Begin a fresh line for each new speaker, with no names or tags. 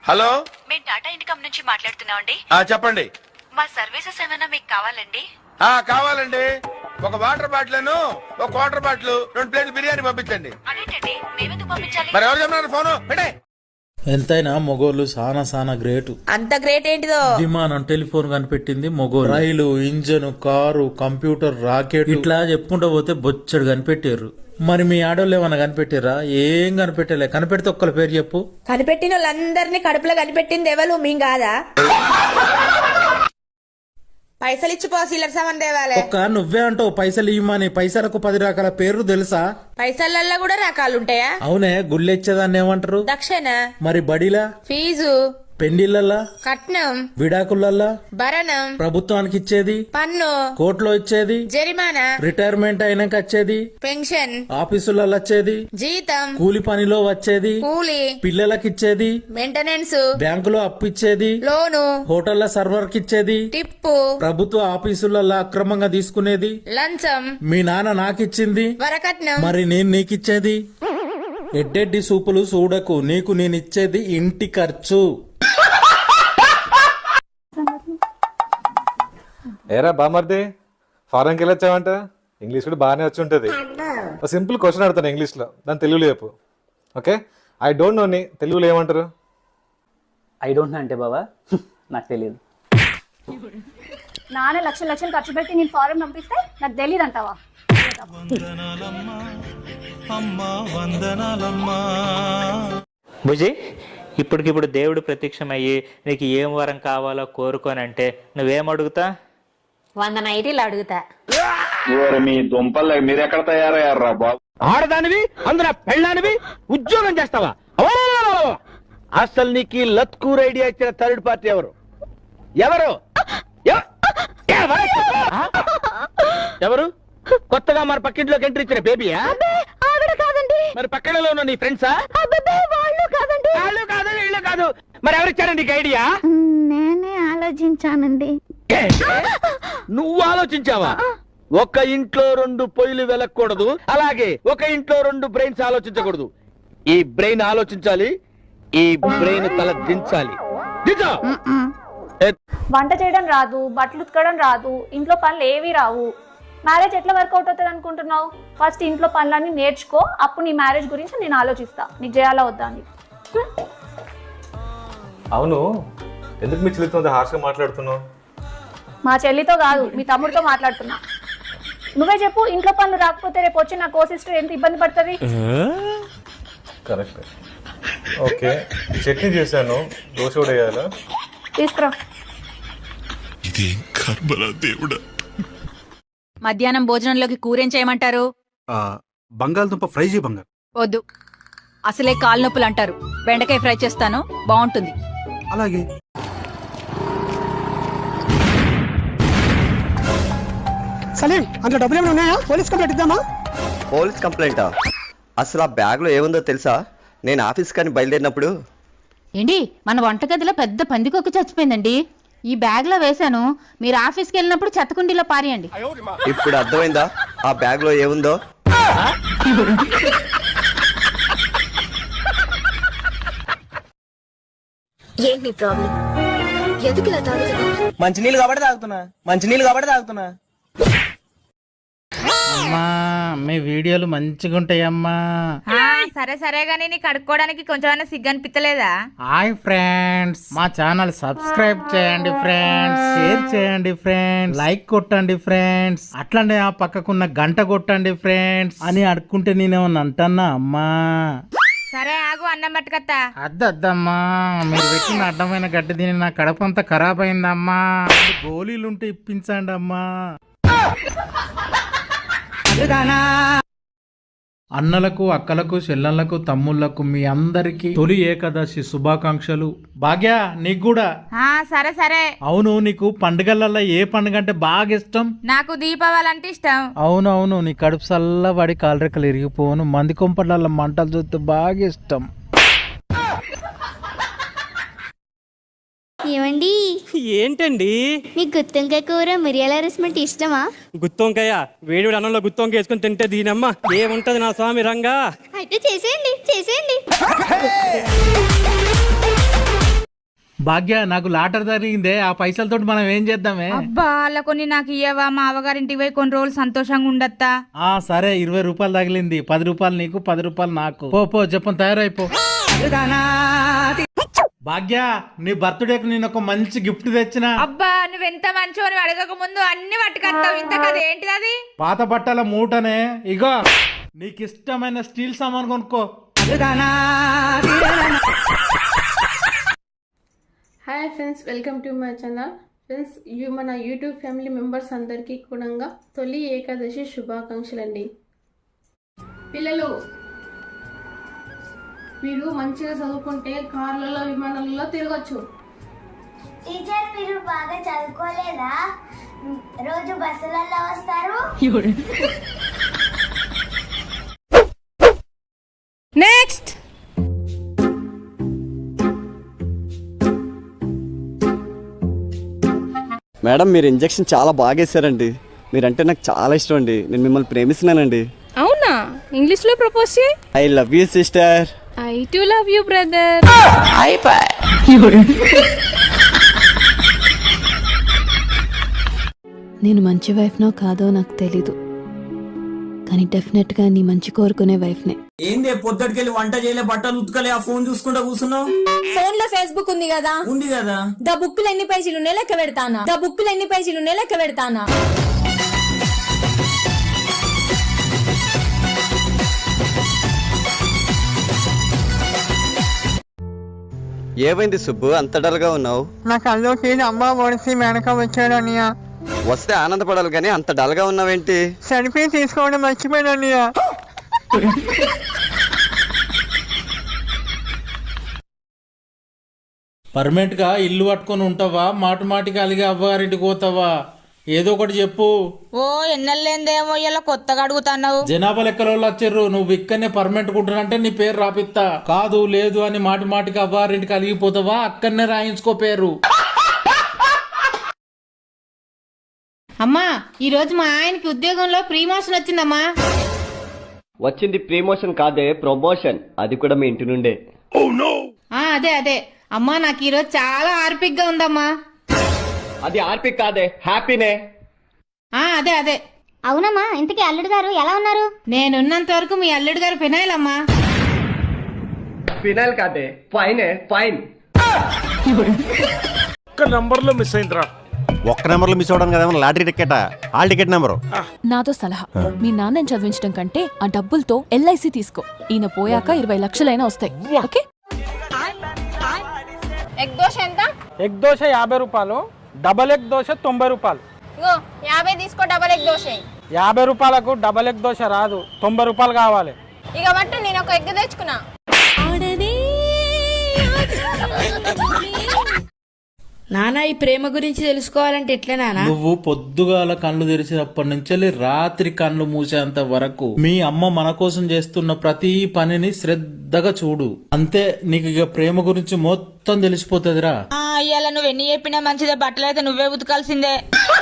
Hello,
మేము Tata income నుంచి మాట్లాడుతున్నామండి.
చెప్పండి.
మా సర్వీసెస్ ఏమైనా మీకు కావాలండి?
కావాలండి. ఒక వాటర్ బాటిల్, ఒక వాటర్ బాటిల్, 2 ప్లేట్లు బిర్యానీ పంపించండి.
అదేంటండి, మేమెందుకు పంపించాలి?
మరి ఎవరు చెప్పినారు ఫోను పెట్టే.
ఎంతైనా మొగోళ్ళు సానా గ్రేట్.
అంత గ్రేట్ ఏంటిదో?
విమానం, టెలిఫోన్ కనిపెట్టింది మొగోళ్ళు. రైలు, ఇంజన్, కారు, కంప్యూటర్, రాకెట్ ఇట్లా చెప్పుకుంటూ పోతే బొచ్చడు కనిపెట్టారు. మరి మీ ఆడోళ్ళు ఏమన్నా కనిపెట్టారా? ఏం కనిపెట్టలే. కనిపెడితే ఒక్కల పేరు చెప్పు.
కనిపెట్టిన వాళ్ళందరినీ కడుపులో కనిపెట్టింది ఎవరు? మేం కాదా? పైసలు ఇచ్చిపో, సిల్లర్ సామాన్ తేవాలే.
ఒక్క నువ్వే అంటావు పైసలు ఇవ్వమని. పైసలకు 10 రకాల పేర్లు తెలుసా?
పైసలల్లో కూడా రకాలు ఉంటాయా?
అవునే, గుళ్ళెచ్చేదాన్ని ఏమంటారు?
దక్షిణ.
మరి బడిలా?
ఫీజు.
పెండిళ్ళల్లా?
కట్నం.
విడాకులల్లా?
భరణం.
ప్రభుత్వానికి ఇచ్చేది?
పన్ను.
కోర్టులో ఇచ్చేది?
జరిమానా.
రిటైర్మెంట్ అయినాక వచ్చేది?
పెన్షన్.
ఆఫీసులలో వచ్చేది?
జీతం.
కూలి పనిలో వచ్చేది?
కూలి.
పిల్లలకి ఇచ్చేది?
మెయింటెనెన్స్.
బ్యాంకులో అప్పు ఇచ్చేది?
లోను.
హోటళ్ల సర్వర్ కి ఇచ్చేది?
టిప్పు.
ప్రభుత్వ ఆఫీసులలో అక్రమంగా తీసుకునేది?
లంచం.
మీ నాన్న నాకిచ్చింది?
వరకట్నం.
మరి నేను నీకిచ్చేది? ఎడ్డెడ్డి సూపులు చూడకు, నీకు నేనిచ్చేది ఇంటి ఖర్చు.
ఏరా బామర్ది, ఫారెన్కి వెళ్ళొచ్చావంట? ఇంగ్లీష్ కూడా బాగానే వచ్చి ఉంటుంది. ఒక సింపుల్ క్వశ్చన్ అడుగుతాను ఇంగ్లీష్లో, దాని తెలుగులో చెప్పు. ఓకే, ఐ డోంట్ నోని తెలుగులో ఏమంటారు?
ఐ డోంట్ నో అంటే బాబా నాకు తెలియదు.
నాన్న లక్షలు ఖర్చు పెట్టి నేను ఫారెన్ పంపిస్తే నాకు తెలియదు అంటావా?
భుజి, ఇప్పటికిప్పుడు దేవుడు ప్రత్యక్షమయ్యి నీకు ఏం వరం కావాలో కోరుకోనంటే నువ్వేం అడుగుతా?
100 నైటీలు అడుగుతా.
మీ దుంపలు మీరెక్కడ తయారయ్యారా బాబు?
ఆడదానివి, అందులో పెళ్ళానివి, ఉద్యోగం చేస్తావా? అసలు నీకు ఈ లత్కూర్ ఐడియా ఇచ్చిన థర్డ్ పార్టీ ఎవరు? ఎవరు ఎవరు? కొత్తగా మన పక్కింట్లోకి ఎంట్రీ ఇచ్చిన బేబీయా? మరి పక్కనలో ఉన్న నీ ఫ్రెండ్సా? వాళ్ళు కాదు, వీళ్ళు కాదు. మరి ఎవరిచ్చారు నీకు ఐడియా?
నేనే ఆలోచించానండి.
నువ్వు ఆలోచించావా? ఒక ఇంట్లో 2 పొయ్యిలు వెలకూడదు, అలాగే ఒక ఇంట్లో 2 బ్రెయిన్స్ ఆలోచించకూడదు. ఈ బ్రెయిన్ ఆలోచించాలి, ఈ బ్రెయిన్ తల దించాలి.
వంట చేయడం రాదు, బట్టలు ఉతకడం రాదు, ఇంట్లో పనులు ఏవి రావు. మ్యారేజ్ ఎట్లా వర్కౌట్ అవుతుంది అనుకుంటున్నావు? ఫస్ట్ ఇంట్లో పనులన్నీ నేర్చుకో, అప్పుడు నీ మ్యారేజ్ గురించి నేను ఆలోచిస్తా, నీకు చేయాలా వద్దా అని.
అవును, ఎందుకు మీ చెల్లితో హార్ష్గా మాట్లాడుతున్నావు?
మా చెల్లితో కాదు, మీ తమ్ముడితో మాట్లాడుతున్నా. నువ్వే చెప్పు, ఇంట్లో పనులు రాకపోతే రేపు వచ్చి నా కో సిస్టర్ ఎంత ఇబ్బంది పడుతుంది?
కరెక్ట్. ఓకే, చట్నీ చేశాను, దోశ కూడా వేయాలా?
తీసుకురా.
మధ్యాహ్నం భోజనంలోకి కూరేం చేయమంటారు?
బంగాళదుంప ఫ్రై చేయి బంగారు.
వద్దు, అసలే కాలు నొప్పులు అంటారు. బెండకాయ ఫ్రై చేస్తాను, బాగుంటుంది.
అలాగే.
సలీం, అందులో డబ్బులు ఏమైనా ఉన్నాయా? పోలీస్ కంప్లైంట్ ఇద్దామా?
పోలీస్ కంప్లైంటా? అసలు ఆ బ్యాగ్లో ఏముందో తెలుసా? నేను ఆఫీస్ కానీ బయలుదేరినప్పుడు
ఏంటి, మన వంటగదిలో పెద్ద పందికొక్కు చచ్చిపోయిందండి. ఈ బ్యాగ్ లో వేశాను, మీరు ఆఫీస్కి వెళ్ళినప్పుడు చెత్తకుండీలో పారేయండి.
ఇప్పుడు అర్థమైందా ఆ బ్యాగ్లో ఏముందో?
ఏంటి ప్రాబ్లం? ఎందుకు ఇలా తాగుతున్నా?
మంచినీళ్ళు కాబట్టి తాగుతున్నా.
అమ్మా, మీ వీడియోలు మంచిగా ఉంటాయమ్మా.
సరే గానీ నీకు కడుక్కోవడానికి కొంచెమైనా సిగ్గు అనిపించలేదా?
హాయ్ ఫ్రెండ్స్, మా ఛానల్ సబ్స్క్రైబ్ చేయండి ఫ్రెండ్స్, షేర్ చేయండి ఫ్రెండ్స్, లైక్ కొట్టండి ఫ్రెండ్స్, అట్లనే ఆ పక్కకున్న గంట కొట్టండి ఫ్రెండ్స్ అని అడుక్కుంటే నేనేమన్నా అంటన్నా అమ్మా?
సరే ఆగు, అన్నం పట్టుకత్తా.
అద్దమ్మా, మీరు పెట్టిన అడ్డమైన గడ్డి తిని నా కడపంతా ఖరాబ్ అయిందమ్మా. గోళీలుంటే ఇప్పించండి అమ్మా. అన్నలకు, అక్కలకు, చెల్లెళ్లకు, తమ్ముళ్లకు మీ అందరికి తొలి ఏకాదశి శుభాకాంక్షలు. భాగ్య, నీకు కూడా.
సరే.
అవును, నీకు పండుగలలో ఏ పండుగ అంటే బాగా ఇష్టం?
నాకు దీపావళి అంటే ఇష్టం.
అవునవును, నీ కడుపు చల్లబడి కాలరెక్కలు ఇరిగిపోను, మంది కొంపట్ల మంటలు చూస్తే బాగా ఇష్టం.
ఏమండి?
ఏంటండి?
మీకు గుత్తొంకాయ కూర మిరియాల రసం ఇష్టమా?
గుత్తొంకాయ వేడి అన్నంలో గుత్తొంకాయ వేసుకుని తింటే దీనమ్మ ఏముంటది నా స్వామి రంగా.
అయితే చేసేయండి.
భాగ్య నాకు లాటర్ జరిగిందే, ఆ పైసలతో మనం ఏం చేద్దామే?
అబ్బా అలా కొన్ని నాకు ఇయ్యవా, మా అవగారింటికి పోయి కొన్ని రోజులు సంతోషంగా ఉండత్తా.
సరే 20 రూపాయలు తగిలింది, 10 రూపాయలు నీకు 10 రూపాయలు నాకు. పో చెప్పని తయారైపో. భాగ్య నీ బర్త్డేకి నేను ఒక మంచి గిఫ్ట్ తెచ్చిన.
అబ్బా నువ్వెంత మంచో, నువ్వు అడగక ముందు అన్ని పట్టుకొస్తావు. ఇంత కథ ఏంటిది అది?
పాత బట్టల మూటనే. ఇగో నీకు ఇష్టమైన స్టీల్ సామాన్ కొనుక్కో.
Hi friends, welcome to my channel. Friends, మన యూట్యూబ్ ఫ్యామిలీ మెంబర్స్ అందరికీ కూడా తొలి ఏకాదశి శుభాకాంక్షలు అండి. పిల్లలు, మీరు మంచిగా చదువుకుంటే కార్లలో విమానాలలో తిరగచ్చు.
టీచర్, మీరు బాగా చదువుకోలేదా? రోజు బస్సులలో వస్తారు.
నెక్స్ట్
మేడం, మీరు ఇంజెక్షన్ చాలా బాగా వేసారండి. మీరంటే నాకు చాలా ఇష్టం అండి. నేను మిమ్మల్ని ప్రేమిస్తున్నానండి.
అవునా? ఇంగ్లీష్ లో ప్రపోజ్ చేయి.
I love you sister.
I too love you brother.
నేను మంచి వైఫ్నో కాదో నాకు తెలీదు, కానీ డెఫినెట్ గా నీ మంచి కోరుకునే వైఫ్నే.
ఏంది పొద్దుటికెళ్ళి వంట చేయలే, బట్టలు ఉతకలే, ఆ ఫోన్ చూసుకుంటా కూర్చున్నావు?
ఫోన్ లో ఫేస్బుక్ ఉంది కదా.
ఉంది కదా.
ద బుక్కులు ఎన్ని పేజీలు ఉన్నాయి లెక్క పెడతానా.
ఏమైంది సుబ్బు, అంత డల్గా ఉన్నావు?
నా కల్లోకి అమ్మ ఒడిసి వెనక వచ్చాడు అన్నయ్య.
వస్తే ఆనందపడాలి కానీ అంత డల్గా ఉన్నావేంటి?
సెల్ఫీ తీసుకోవడం మర్చిపోయాడు అన్నయ్య.
పర్మనెంట్ గా ఇల్లు పట్టుకొని ఉంటావా, మాటికి అలిగే అవ్వగారింటికి పోతావా? ఏదో ఒకటి చెప్పు.
ఓ ఎన్నెల్లేందేమో ఇలా కొత్తగా అడుగుతున్నావు.
జనాభా లెక్కల వాళ్ళు వచ్చారు, నువ్వు ఇక్కడనే పర్మనెంట్ కుంటున్నంటే నీ పేరు రాపిస్తా. కాదు లేదు అని మాటికి అవ్వారింటికి అలిగిపోతావా, అక్కడనే రాయించుకో పేరు.
అమ్మా, ఈ రోజు మా ఆయనకి ఉద్యోగంలో ప్రమోషన్ వచ్చిందమ్మా.
వచ్చింది ప్రమోషన్ కాదే, ప్రమోషన్. అది కూడా మీ ఇంటి నుండే.
అదే అమ్మా, నాకు ఈ రోజు చాలా ఆర్పిక్ గా ఉందమ్మా.
అది ఆర్పిక్ కాదే, హ్యాపీనే.
అదే
అవునమ్మా, ఇంతకీ అల్లుడు గారు ఎలా ఉన్నారు?
నేనున్నంత వరకు మీ అల్లుడు గారు ఫినాయిల్ అమ్మా.
ఫినాయిల్ కాదే, ఫైనే, ఫైన్.
ఒక్క నంబర్ లో మిస్ అవడం కదా lottery ticket, hall ticket number.
నాతో సలహా, మీ నాన్నని చదివించడం కంటే ఆ డబ్బులతో LIC తీసుకో. ఈయన పోయాక 20 లక్షలైనా వస్తాయి. ఓకే?
ఎగ్ దోశ ఎంత?
ఎగ్ దోశ 50 రూపాయలు, డబల్ ఎగ్ దోశ 90 రూపాయలు.
50 తీసుకో, డబల్ ఎగ్ దోశ.
50 రూపాయలకు డబల్ ఎగ్ దోశ రాదు, 90 రూపాయలు కావాలి.
ఇక బట్టు, నేను ఒక ఎగ్ తెచ్చుకున్నా.
నానా, ఈ ప్రేమ గురించి తెలుసుకోవాలంటే ఎట్లా నానా?
నువ్వు పొద్దుగాల కళ్ళు తెరిచినప్పటి నుంచి రాత్రి కళ్ళు మూసేంత వరకు మీ అమ్మ మన కోసం చేస్తున్న ప్రతి పనిని శ్రద్ధగా చూడు. అంతే, నీకు ఇక ప్రేమ గురించి మొత్తం తెలిసిపోతుందిరా.
ఇవాళ నువ్వు ఎన్ని చెప్పినా మంచిదే, బట్టలు అయితే నువ్వే ఉతకాల్సిందే.